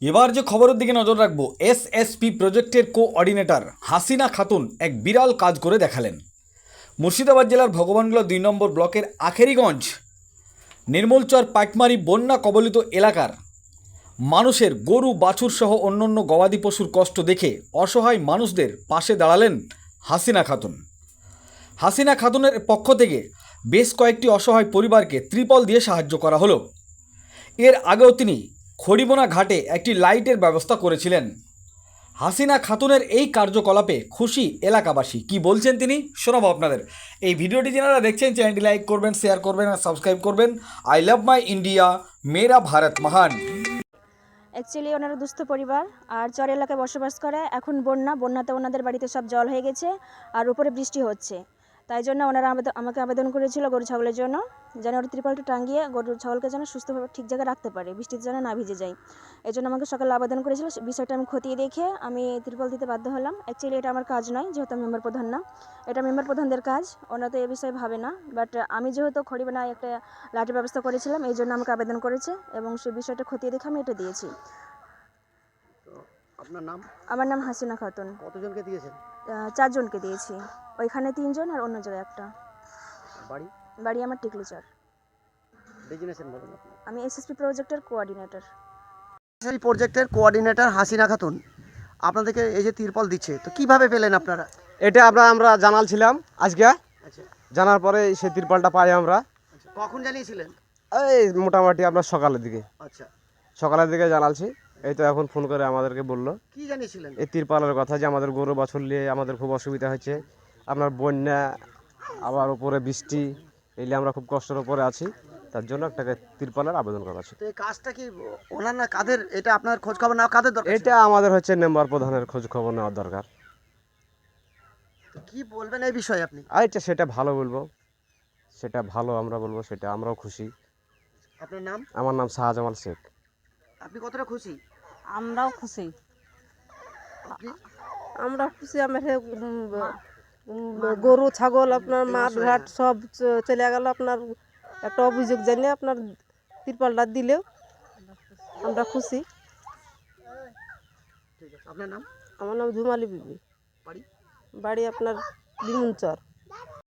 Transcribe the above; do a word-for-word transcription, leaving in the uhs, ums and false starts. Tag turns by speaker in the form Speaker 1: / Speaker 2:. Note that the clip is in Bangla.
Speaker 1: এবার যে খবরের দিকে নজর রাখবো, এসএসপি প্রজেক্টের কোঅর্ডিনেটর হাসিনা খাতুন এক বিরাল কাজ করে দেখালেন। মুর্শিদাবাদ জেলার ভগবানগোলা দুই নম্বর ব্লকের আখেরিগঞ্জ নির্মলচর পাটমারি বন্যা কবলিত এলাকার মানুষের গরু বাছুর সহ অন্যান্য গবাদি পশুর কষ্ট দেখে অসহায় মানুষদের পাশে দাঁড়ালেন হাসিনা খাতুন। হাসিনা খাতুনের পক্ষ থেকে বেশ কয়েকটি অসহায় পরিবারকে ত্রিপল দিয়ে সাহায্য করা হলো। এর আগেও তিনি খড়িবোনা ঘাটে একটি লাইটের ব্যবস্থা করেছিলেন। হাসিনা খাতুনের এই কার্যকলাপে খুশি এলাকাবাসী। কি বলছেন তিনি শোনাবো আপনাদের। এই ভিডিওটি যারা দেখছেন চ্যানেলটি লাইক করবেন, শেয়ার করবেন আর সাবস্ক্রাইব করবেন। আই লাভ মাই ইন্ডিয়া, মেরা ভারত মহান।
Speaker 2: অ্যাকচুয়ালি ওনারা দুস্থ পরিবার আর চর এলাকায় বসবাস করে। এখন বন্যা বন্যাতে ওনাদের বাড়িতে সব জল হয়ে গেছে আর উপরে বৃষ্টি হচ্ছে, তাই জন্য ওনারা আমাকে আবেদন করেছিল গরু ছাগলের জন্য, যেন ওর ত্রিপলটা টাঙিয়ে গরু ছাগলকে যেন সুস্থভাবে ঠিক জায়গায় রাখতে পারে, বৃষ্টিতে যেন না ভিজে যায়। এই জন্য আমাকে সকালে আবেদন করেছিল। বিষয়টা আমি খতিয়ে দেখে আমি ত্রিপল দিতে বাধ্য হলাম। অ্যাকচুয়ালি এটা আমার কাজ নয়, যেহেতু আমি মেম্বার প্রধান না, এটা মেম্বার প্রধানদের কাজ, ওনারা তো এ বিষয়ে ভাবে না। বাট আমি যেহেতু খড়িবানায় একটা লাইটের ব্যবস্থা করেছিলাম, এই জন্য আমাকে আবেদন করেছে এবং সেই বিষয়টা খতিয়ে দেখে আমি এটা দিয়েছি।
Speaker 3: আপনার নাম?
Speaker 2: আমার নাম হাসিনা খাতুন।
Speaker 3: কতজনকে দিয়েছেন?
Speaker 2: চারজনকে দিয়েছি, ওইখানে তিনজন আর অন্য জায়গায় একটা।
Speaker 3: বাড়ি?
Speaker 2: বাড়ি আমার টিকলিচর।
Speaker 3: ডেজিগনেশন বলুন আপনি।
Speaker 2: আমি এসএসপি প্রজেক্টের কোঅর্ডিনেটর।
Speaker 3: এই প্রজেক্টের কোঅর্ডিনেটর হাসিনা খাতুন আপনাদেরকে এই যে তিরপল দিচ্ছে, তো কিভাবে পেলেন আপনারা?
Speaker 4: এটা আমরা আমরা জানালছিলাম আজকে।
Speaker 3: আচ্ছা,
Speaker 4: জানার পরে সেই তিরপালটা পাই আমরা।
Speaker 3: আচ্ছা, কখন জানিয়েছিলেন?
Speaker 4: এই মোটামুটি আপনার সকালের দিকে
Speaker 3: আচ্ছা,
Speaker 4: সকালের দিকে জানালছি। এই তো এখন ফোন করে আমাদেরকে বললো
Speaker 3: কি জানিয়েছিলেন?
Speaker 4: এই তিরপালের কথা, যে আমাদের গরু বাছুর নিয়ে আমাদের খুব অসুবিধা হচ্ছে, আপনার বন্যা আবার উপরে বৃষ্টি, এলে আমরা খুব কষ্টের উপরে আছি, তার জন্য একটা তিরপালের আবেদন করা আছে।
Speaker 3: তো এই কাজটা কি ওনার না কাদের, এটা আপনার খোঁজ খবর নেওয়া কাদের দরকার?
Speaker 4: এটা আমাদের হচ্ছে মেম্বার প্রধানের খোঁজ খবর নেওয়ার দরকার।
Speaker 3: তো কি বলবেন এই বিষয়ে আপনি?
Speaker 4: আচ্ছা, সেটা ভালো বলবো, সেটা ভালো আমরা বলবো, সেটা আমরাও খুশি।
Speaker 3: আপনার নাম?
Speaker 4: আমার নাম শাহজামাল শেখ।
Speaker 3: আপনি কতটা খুশি?
Speaker 5: আমরাও খুশি,
Speaker 3: আপনি?
Speaker 5: আমরা খুশি। আমার হে, উম, উম, গরু ছাগল আপনার মাঠ ঘাট সব চ- চলে গেল। আপনার একটা অভিযোগ জানিয়ে আপনার তিরপালটা দিলেও আমরা খুশি।
Speaker 3: ঠিক আছে, আপনার নাম?
Speaker 5: আমার নাম ঝুমালি বিবি।
Speaker 3: বাড়ি?
Speaker 5: বাড়ি আপনার লিমুনচর।